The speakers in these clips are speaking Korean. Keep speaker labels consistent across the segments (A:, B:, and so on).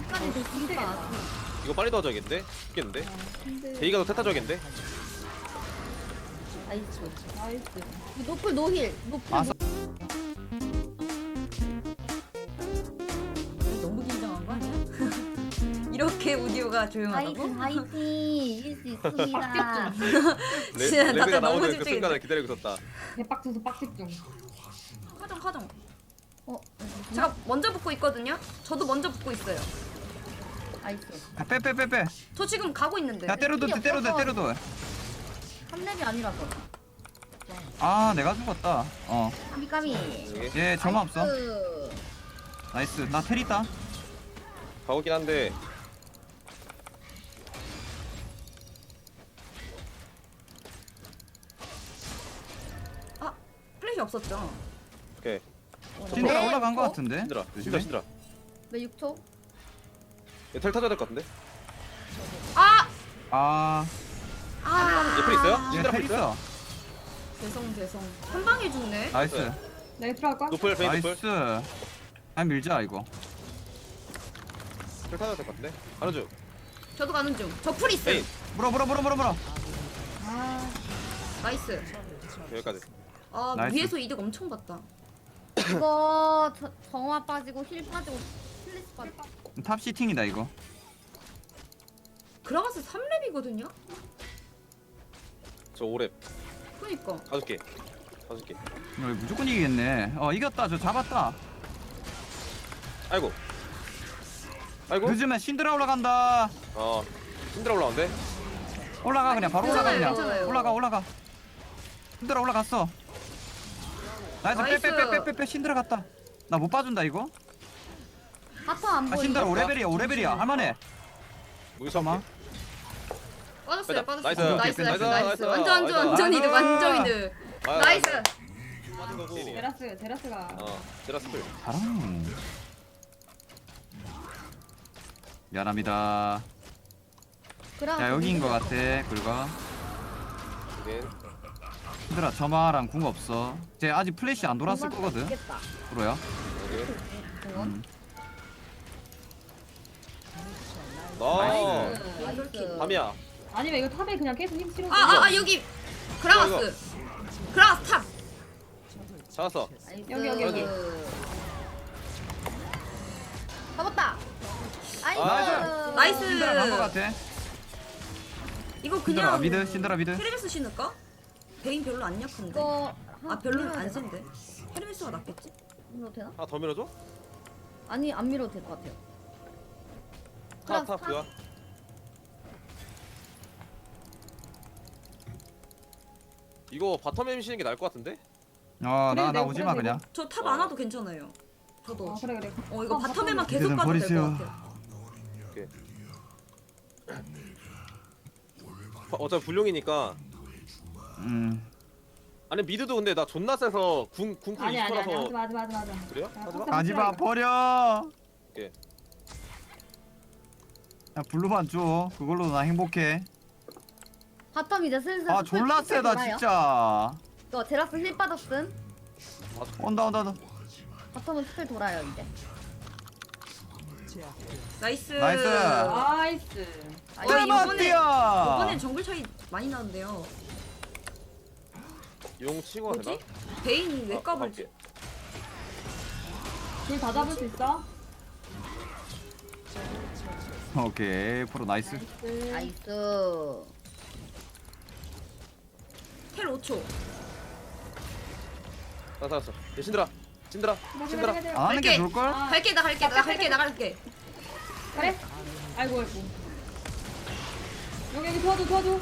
A: 시간이 더 길다.
B: 이거 빨리 도와줘야겠는데? 죽겠는데?
A: 근데
B: 데이가 더 태타줘야겠는데?
A: 나이스. 나이스. 노플 노힐. 노플.
C: 아,
D: 너무 긴장한 거 아니야? 이렇게 오디오가 조용하다고?
A: 화이팅. 이길 수 있습니다.
D: 진짜
B: 레드가
D: 다들 너무
B: 나오는 그
D: 집중했네.
B: 순간을 기다리고 있었다.
E: 대박쳐서 빡집중.
D: 카정.
A: 어,
D: 제가 먼저 붙고 있거든요. 저도 먼저 붙고 있어요.
A: 나이스.
C: 빼.
D: 저 지금 가고 있는데.
C: 야 때려도 돼.
A: 3렙이 아니라서.
C: 아 내가 죽었다.
A: 까미까미.
B: 여기
C: 얘 점화 없어.
A: 나이스.
C: 나이스. 나 텔 있다.
B: 가고긴 한데
D: 아, 플래시 없었죠.
B: 오케이.
C: 신드라
A: 네.
C: 올라간 거 같은데.
B: 신드라
C: 조심해.
B: 신드라.
A: 네 6초.
B: 얘텔 타줘야 될 것 같은데?
D: 아!
C: 아,
D: 아!
B: 얘 풀 있어요?
C: 얘
B: 신드라
C: 텔
B: 풀 있어요?
C: 있어.
D: 죄송. 한 방에 죽네.
C: 나이스.
E: 내가 들어갈까?
B: 노플 베인 노플.
C: 나이스. 아 밀자 이거.
B: 텔 타줘야 될 것 같은데? 안아줘.
D: 저도 가는 중. 저 풀 있어요.
B: 베인
C: 물어.
E: 아,
D: 나이스.
B: 여기까지.
D: 아,
C: 나이스.
D: 위에서 이득 엄청 봤다.
A: 이거 정화 빠지고 힐 빠지고 플래시 빠지고.
C: 탑 시팅이다 이거.
D: 그라가스 3렙이거든요?
B: 저 5렙
D: 그니까.
B: 가줄게.
C: 이거 무조건 이기겠네. 이겼다. 저 잡았다.
B: 아이고.
C: 늦으면 신드라 올라간다.
B: 신드라 올라온대?
C: 올라가 그냥 바로
D: 괜찮아요,
C: 올라가 그냥.
D: 괜찮아요.
C: 올라가. 신드라 올라갔어. 나이스.
D: 나이스.
C: 빼. 신드라 갔다. 나 못 봐준다 이거.
A: 바텀 안
C: 아
A: 보이네.
C: 신드라 5레벨이야. 할만해.
B: 무기sam마?
D: 빠졌어요.
B: 빼자.
D: 빠졌어요.
B: 나이스.
D: 나이스.
B: 나이스.
D: 완전
B: 나이스.
D: 이득. 완전 이득. 나이스.
B: 빠진 거고.
E: 제라스가.
B: 제라스풀.
C: 잘하네. 미안합니다. 야 여기인 거 같아. 긁어.
B: 이게
C: 얘들아 점화랑 궁 없어. 쟤 아직 플래시 안 돌았을 거거든.
A: 있겠다.
C: 프로야.
B: 여기.
A: 공원.
B: 나이스. 밤이야.
E: 아니면 이거 탑에 그냥 계속 힘 실어.
D: 여기 그라가스. 그라가스 탑.
B: 잡았어.
E: 여기.
A: 잡았다.
B: 나이스.
D: 나이스.
C: 신드라 간거 같아.
D: 이거
C: 신드라
D: 그냥
C: 미드. 신드라 미드.
D: 헤르메스 신을까? 베인 별로 안 약한데.
A: 이거
D: 아 별로는 안 센데. 헤르메스가 낫겠지?
A: 밀어도 되나?
B: 하나 더 밀어줘?
A: 아니 안 밀어도 될 것 같아요.
B: 탑 그거. 이거 바텀 M 쉬는 게 나을 것 같은데?
C: 나
E: 내가
C: 오지 마
E: 그래,
C: 그냥.
D: 저 탑 안 와도 괜찮아요. 저도.
E: 그래.
D: 이거 바텀에만 계속
C: 이제는
D: 가도 될 것
C: 버리세요.
D: 같아요.
B: 오케이. 어차피 불용이니까. 아니 미드도 근데 나 존나 세서 궁쿨
E: 아니
B: 20%라서
E: 맞아.
B: 그래요?
E: 아,
B: 하지마?
C: 가지마 버려.
B: 오케이.
C: 야 블루만 줘. 그걸로 나 행복해.
A: 바텀 이제 슬슬.
C: 아
A: 스플
C: 졸라 세다
A: 돌아요.
C: 진짜.
A: 이거 제라스 힐 빠졌음.
C: 온다.
A: 바텀은 스플 돌아요 이제.
D: 나이스.
C: 나이스.
E: 나이스.
D: 이번엔 정글 차이 많이 나는데요.
B: 용 치고 가야
D: 뭐지?
B: 되나?
D: 베인이 왜 까불지?
B: 가볼게.
E: 힐다 잡을 수 있어?
C: 오케이 프로 나이스.
A: 나이스.
D: 텔 5초.
B: 나 살았어. 얘 신드라. 신드라.
C: 안 하는 게
D: 갈게.
C: 좋을 걸?
D: 갈게. 나갈게.
E: 그래? 아이고. 여기 도와줘.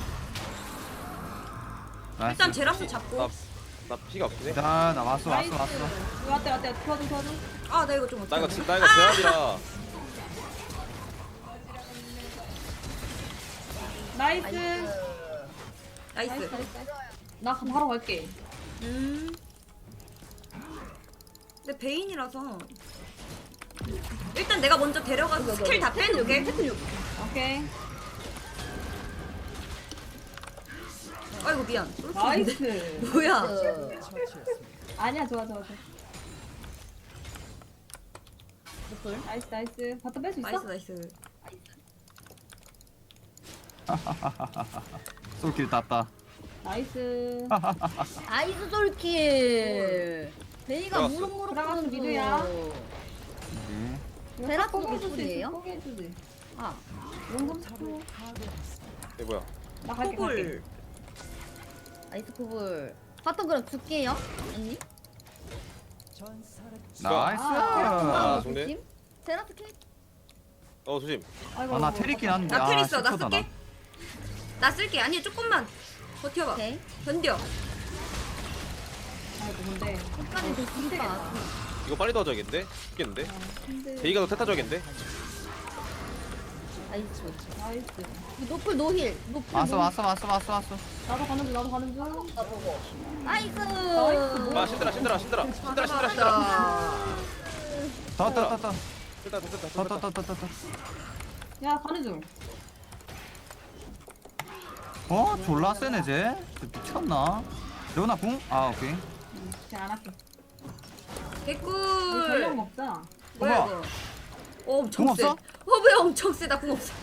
C: 나이스.
D: 일단 제라스 잡고.
B: 나 피가 없긴 해.
C: 자, 나 왔어.
E: 왔대. 도와줘.
D: 아, 나 이거 좀
B: 나 이거
D: 어떡해.
B: 제압이라.
E: 나이스.
D: 나이스.
E: 나 바로 갈게.
D: 근데 베인이라서 일단 내가 먼저 데려가서 스킬 다 빼놓게.
E: 오케이.
D: 아이고 미안.
E: 나이스.
D: 뭐야?
E: 아니야, 좋아.
A: 노플.
E: 나이스 나이스. 바텀 뺄 수 있어?
D: 나이스 나이스.
C: 솔킬 땄다.
E: 나이스.
A: 나이스 솔킬. 베이가
B: 들어갔어.
A: 무릎무릎
E: 들어가서
A: 꿇는
E: 미드야.
C: 오케이.
A: 베라스
E: 포기해줄 수
A: 노플이에요?
E: 있어, 포기해주지.
A: 아,
E: 용감 스포.
B: 얘 뭐야?
E: 나 갈게 갈게.
D: 코골.
A: 나이스 코블. 바텀 그럼 줄게요, 언니.
C: 나이스.
B: 아, 좋네.
A: 조심. 베라스 캐.
B: 조심.
E: 아이고,
C: 나
E: 아이고,
C: 테리긴
E: 아이고.
C: 한데.
D: 나 텔 있어. 나
C: 10초다,
D: 쓸게. 나 쓸게. 아니 조금만 버텨봐.
A: 오케이.
D: 견뎌.
E: 아이고 근데.
A: 끝까지 더 죽이다.
B: 이거 빨리 도와줘야겠는데? 죽겠는데?
E: 근데.
B: 베이가 더 택타줘야겠는데?
A: 나이스.
E: 나이스.
A: 노플 노힐. 노플
C: 왔어
A: 노-
C: 왔어 왔어 왔어 왔어.
E: 나도 가는 중 나도 가는 중.
A: 나 보고. 나이스.
B: 아 신들아 신들아 신들아 신들아 신들아 신들아
C: 더더더더
B: 됐다 됐다 됐다 됐다
C: 더더더더더.
E: 야 가는 중.
C: 어 졸라 세네 쟤. 쟤 미쳤나? 레오나 궁? 아 오케이.
E: 그냥 안 할게. 우리 전력
D: 개꿀.
E: 먹자.
D: 뭐야
C: 어머.
D: 이거? 엄청
C: 궁
D: 세.
C: 없어?
D: 왜 엄청 세다 궁 없어.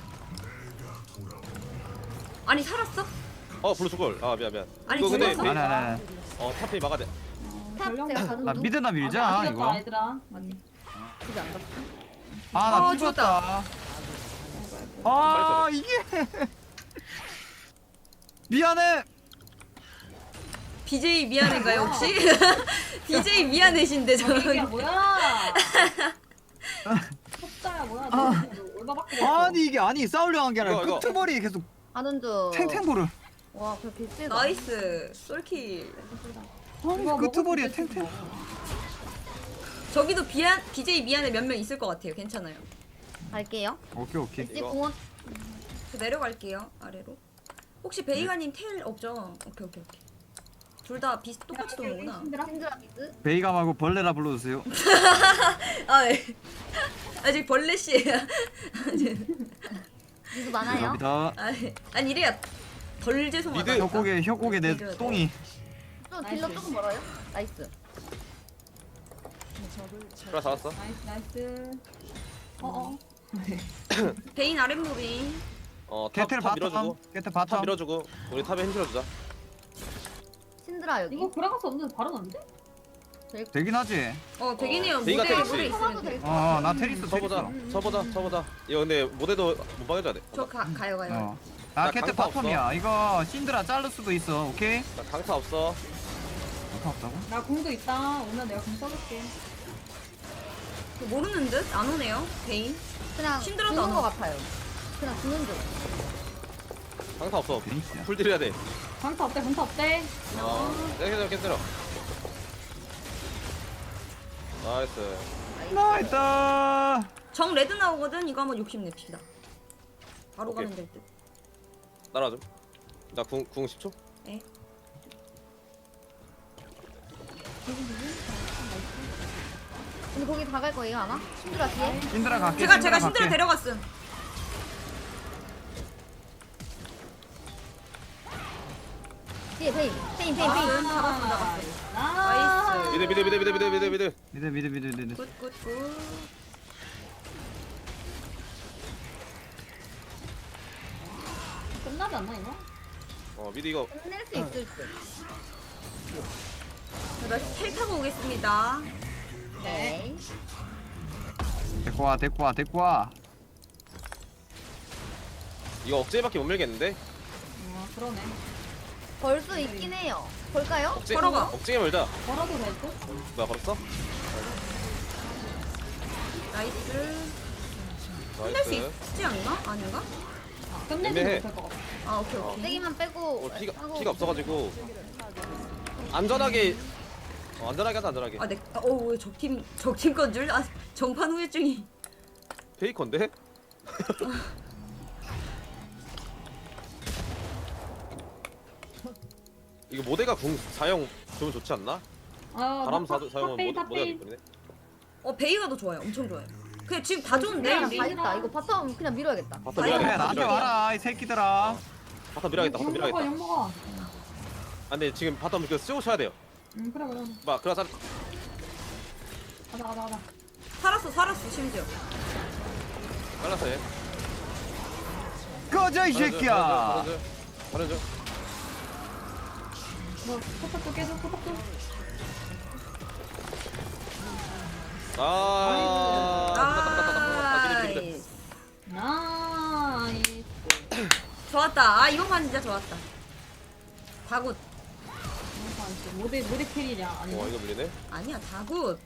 D: 아니 살았어?
B: 블루 죽을 미안 미안
D: 아니,
B: 이거 근데
D: 죽었어?
C: 아니 아니 아니.
B: 탑이 막아야 돼
A: 탑 제가 가는
C: 나
A: 중.
C: 미드나 밀자
E: 아,
C: 이거.
E: 얘들아. 맞지.
A: 집에 안 갔어.
C: 아나
D: 어,
C: 죽었다. 아 이게. 미안해.
D: BJ 미안해가요 혹시? BJ 미안해신데
E: 이게
D: 저는.
E: 뭐야? 섭다야 뭐야? 너 얼마밖에 됐어?
C: 아니 이게 아니 싸우려 한 게 아니라
B: 이거.
C: 끄트머리 계속
A: 가는 중.
C: 탱탱볼을.
A: 와, 그렇게 세다.
D: 나이스 솔킬.
C: 아니
E: 이거
C: 끄트머리에
E: 먹을 수 있겠지,
C: 탱탱.
E: 뭐.
D: 저기도 BJ 미안해 몇 명 있을 것 같아요. 괜찮아요.
A: 갈게요.
C: 오케이 오케이.
A: 이제
B: 이거.
A: 공원.
D: 저 내려갈게요 아래로. 혹시 베이가님 텔 없죠? 오케이. 둘 다 똑같이 도는구나.
E: 힘들어?
A: 신드라 미드.
C: 베이가 말고 벌레라 불러주세요.
D: 아 예. 아직 벌레 씨예요.
A: 미드 많아요.
C: 여기다.
D: 아니 이래야 덜 죄송하다.
B: 미드.
C: 혀곡에 내
D: 해줘야 돼.
C: 똥이.
A: 좀 딜러 조금 멀어요. 나이스.
B: 그래 잡았어
E: 나이스. 어어.
D: 베인 아랫무빙.
C: 개텔
B: 탑
C: 바텀.
B: 밀어주고
C: 개텔
B: 탑
C: 바텀.
B: 밀어주고 우리 탑에 힘 실어주자
A: 신드라 여기.
E: 이거 돌아갈 수 없는데 바로 났는데?
C: 되긴 하지.
D: 베인이요
B: 베이가
D: 무대
B: 테니스.
D: 물에
A: 쳐봐도
D: 있으면
A: 될
D: 돼.
A: 것 같아.
C: 나 테리스
B: 쳐보자 쳐보자 이거 근데 모델도 못 막아줘야 돼
D: 저 가요.
C: 나
B: 나
C: 개텔
B: 강타
C: 바텀이야. 이거 신드라 자를 수도 있어. 오케이?
B: 나 강타 없어
C: 강타 없다고?
E: 나 공도 있다. 오늘 내가 공 써줄게.
D: 모르는 듯? 안 오네요 베인.
A: 그냥
D: 신드라도
A: 죽는
D: 안
A: 거
D: 와.
A: 같아요. 그냥 죽는 중.
B: 강타 없어
C: 베이스야.
B: 풀딜 해야 돼
E: 강타 없대 강타 없대.
B: 내가 괜찮아 나이스
C: 나이스.
D: 정 레드 나오거든. 이거 한번 욕심냅시다. 바로
B: 오케이.
D: 가면 될 듯.
B: 따라와 좀나궁 10초
D: 네.
A: 근데 거기 다 갈 거예요, 아마? 신드라 뒤에?
C: 신드라 갈게.
D: 제가
C: 신드라
D: 신드라
C: 갈게.
D: 데려갔음.
A: 뒤에 베인. 베인.
E: 잡았어.
D: 나이스.
B: 미드
D: 굿.
E: 끝나지 않나 이거?
B: 미드 이거
A: 끝낼 수 있을 듯.
D: 텔 타고 오겠습니다.
A: 네.
C: 데리고 와.
B: 이거 억제밖에 못 밀겠는데
E: 그러네.
A: 벌 수 있긴 해요. 볼까요?
B: 억제
D: 걸어가.
B: 억제게 멀자
E: 걸어도 될 듯?
B: 뭐야 걸었어?
D: 나이스. 끝낼 수
B: 나이스
D: 있지 않나? 아닌가?
E: 끝내지
B: 애매해.
E: 못할 것 같아.
D: 아 오케이.
A: 세기만 빼고.
B: 피가 없어가지고 안전하게 안전하게 하자 안전하게
D: 왜 적팀 건 줄? 정판 후유증이.
B: 페이커인데? 이거 모대가 궁 사용 좀 좋지 않나? 바람 사용은 모대가 기쁘네
D: 베이가 더 좋아요. 엄청 좋아요. 그냥 지금 다 좋은데.
A: 그냥
D: 우리?
A: 다 있다. 이거 바텀 그냥 밀어야겠다.
B: 바텀
C: 그래
B: 밀어야겠다
C: 나한테 와라 이 새끼들아.
B: 바텀 밀어야겠다 바텀 밀어야겠다
E: 욕 먹어.
B: 아 근데 지금 바텀 그 쓰고 쳐야 돼요
E: 그래.
B: 막 그래서
E: 가자.
D: 살았어 심지어.
B: 잘랐어 얘.
C: 꺼져 이 새끼야.
B: 잘해줘.
E: 뭐 포탑도 깨줘 포탑도.
D: 나이스.
E: 나이스.
D: 좋았다. 아 이번 판 진짜 좋았다. 다굿.
E: 모델 캐리냐 아니면
B: 와 이거 밀리네.
D: 아니야 다굿.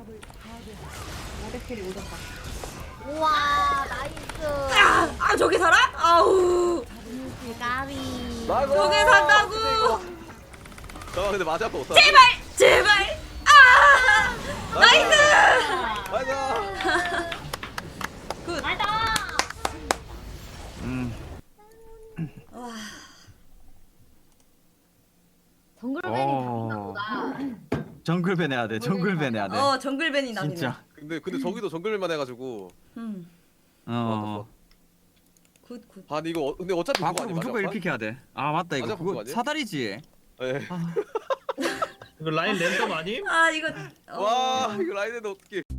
E: 모델 캐리 오졌다.
A: 우와 나이스.
D: 아 저게 살아? 아우.
A: 대가리.
D: 저게 산다고.
B: 잠깐 근데 마지 아파 못 살아.
D: 제발. 아 나이스.
B: 맞아.
D: 굿.
E: 알다.
D: 와.
A: 정글맨이 잡힌가 보다.
C: 정글밴 해야 돼. 정글밴 해야 돼.
D: 정글밴이 나네.
C: 진짜.
B: 근데 저기도 정글만 해가지고.
C: 어.
D: 굿.
B: 아 근데 이거 근데 어차피 그거
C: 밖으로
B: 아니야,
C: 무조건
B: 마지막
C: 1픽 해야 돼. 아 맞다 이거
B: 맞아,
C: 그거
B: 그거 아니야?
C: 사다리지.
B: 판? 예.
D: 어.
F: 이거 라인 랜덤 아님?
D: 아 이거.
B: 와 이거 라인인데 어떻게?